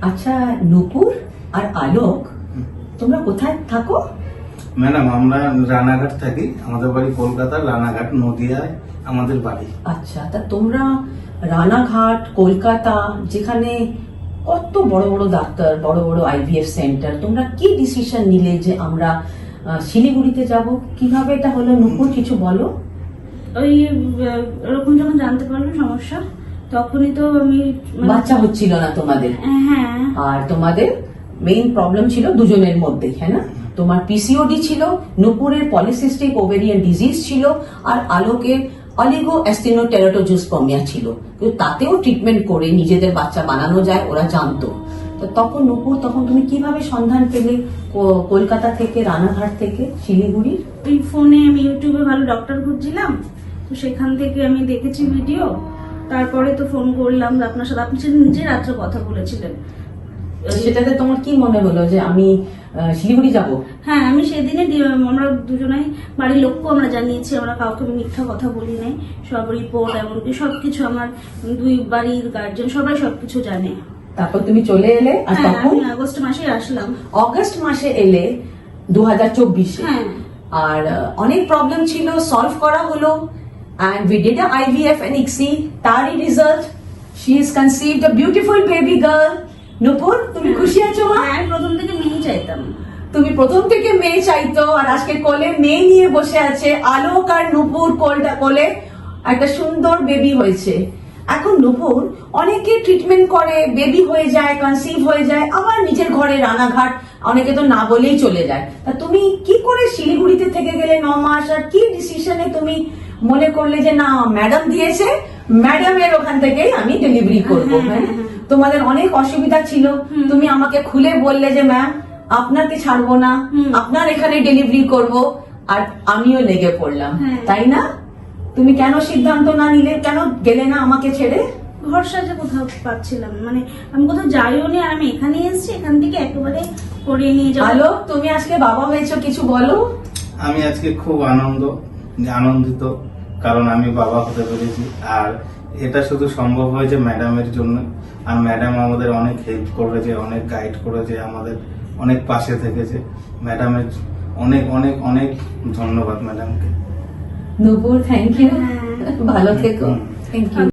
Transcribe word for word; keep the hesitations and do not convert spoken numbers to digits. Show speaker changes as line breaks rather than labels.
আচ্ছা নূপুর আর আলোক তোমরা কোথায় থাকো?
ম্যাডাম আমরা রানাঘাট থাকি, আমাদের বাড়ি কলকাতার রানাঘাট নদিয়ায় আমাদের বাড়ি।
আচ্ছা, তা তোমরা রানাঘাট কলকাতা যেখানে কত বড় বড় ডাক্তার, বড় বড় আইভিএফ সেন্টার, তোমরা কি ডিসিশন নিলে যে আমরা আহ, শিলিগুড়িতে যাব? কিভাবে এটা হলো নূপুর, কিছু বলো।
ওই ওরকম যখন জানতে পারলাম সমস্যা, তখনই তো আমি মানে-
বাচ্চা হচ্ছিল না তোমাদের,
হ্যাঁ
আর তোমাদের মেইন প্রবলেম ছিল দুজনের মধ্যেই, হ্যাঁ না? তোমার পিসিওডি ছিল, নূপুরের পলিসিস্টিক ওভেরিয়ান ডিজিজ ছিল, আর আলোকের অলিগো অ্যাস্টেনোটেরাটোজুসপার্মিয়া ছিল। কিন্তু তাতেও ট্রিটমেন্ট করে নিজেদের বাচ্চা বানানো যায়, ওরা জানতো। তো তখন নূপুর, তখন তুমি কিভাবে সন্ধান পেলে কো- কলকাতা থেকে, রানাঘাট থেকে শিলিগুড়ির?
ওই ফোনে আমি ইউটিউবে ভালো ডক্টর খুঁজছিলাম, তো সেখান থেকে আমি দেখেছি ভিডিও, তারপরে তো ফোন করলাম আপনার সাথে। আপনি সেদিন নিজে রাত্রে কথা বলেছিলেন।
সেটাতে তোমার কি মনে হলো যে আমি আহ, শিলিগুড়ি যাব?
হ্যাঁ, আমি সেদিনে ডি- আমরা দুজনাই বাড়ির লোককে আমরা জানিয়েছি, আমরা কাউকে আমি মিথ্যা কথা বলি নাই। সব রিপোর্ট এমনকি সবকিছু আমার দুই বাড়ির গার্জেন সবাই সবকিছু জানে।
তারপর তুমি চলে এলে, আর
হ্যাঁ,
তখন
আমি আগস্ট মাসে আসলাম।
অগস্ট মাসে এলে দু হাজার চব্বিশে,
হ্যাঁ
আর আহ, অনেক প্রবলেম ছিল, সলভ করা হলো, and we did a I V F and I C S I, তারই result, she is conceived a beautiful baby girl. Nupur, তুমি খুশি আছো মা?
হ্যাঁ, আমি প্রথম থেকে মেয়ে চাইতাম।
তুমি প্রথম থেকে মেয়ে চাইতো, আর আজকে কোলে মেয়ে নিয়ে বসে আছে। আলোক আর নূপুর কোলটা কোলে একটা সুন্দর বেবি হয়েছে। এখন নূপুর অনেকে ট্রিটমেন্ট করে, বেবি হয়ে যায়, কনসিভ হয়ে যায়, আবার নিজের ঘরে রানাঘাট, অনেকে তো না বলেই চলে যায়। তা তুমি কি করে শিলিগুড়িতে থেকে গেলে ন মাস, আর কি ডিসিশনে তুমি মনে করলে যে না, ম্যাডাম দিয়েছে, ম্যাডামের ওখান থেকেই আমি ডেলিভারি করবো? হ্যাঁ, তোমাদের অনেক অসুবিধা ছিল, তুমি আমাকে খুলে বললে যে ম্যাম আপনাকে ছাড়বো না, আপনার এখানে ডেলিভারি করব, আর আমিও লেগে পড়লাম,
হ্যাঁ।
তাই না? তুমি কেন সিদ্ধান্ত না নিলে, কেন গেলে না আমাকে ছেড়ে?
ভরসা যে কোথাও পাচ্ছিলাম, মানে আমি কোথাও যাইও নি, আর আমি এখানে এসেছি, এখান থেকে একেবারে করে নিয়ে যাবো।
আলো, তুমি আজকে বাবা হয়েছো, কিছু বলো।
আমি আজকে খুব আনন্দ আনন্দিত কারণ আমি বাবা হতে পেরেছি, আর এটা শুধু সম্ভব হয়েছে ম্যাডামের জন্য। আর ম্যাডাম আমাদের অনেক হেল্প করেছে, অনেক গাইড করেছে, আমাদের অনেক পাশে থেকেছে। ম্যাডামের অনেক অনেক অনেক ধন্যবাদ ম্যাডামকে।
নূপুর, থ্যাংক ইউ,
হ্যাঁ।
ভালো থেকো, থ্যাংক ইউ।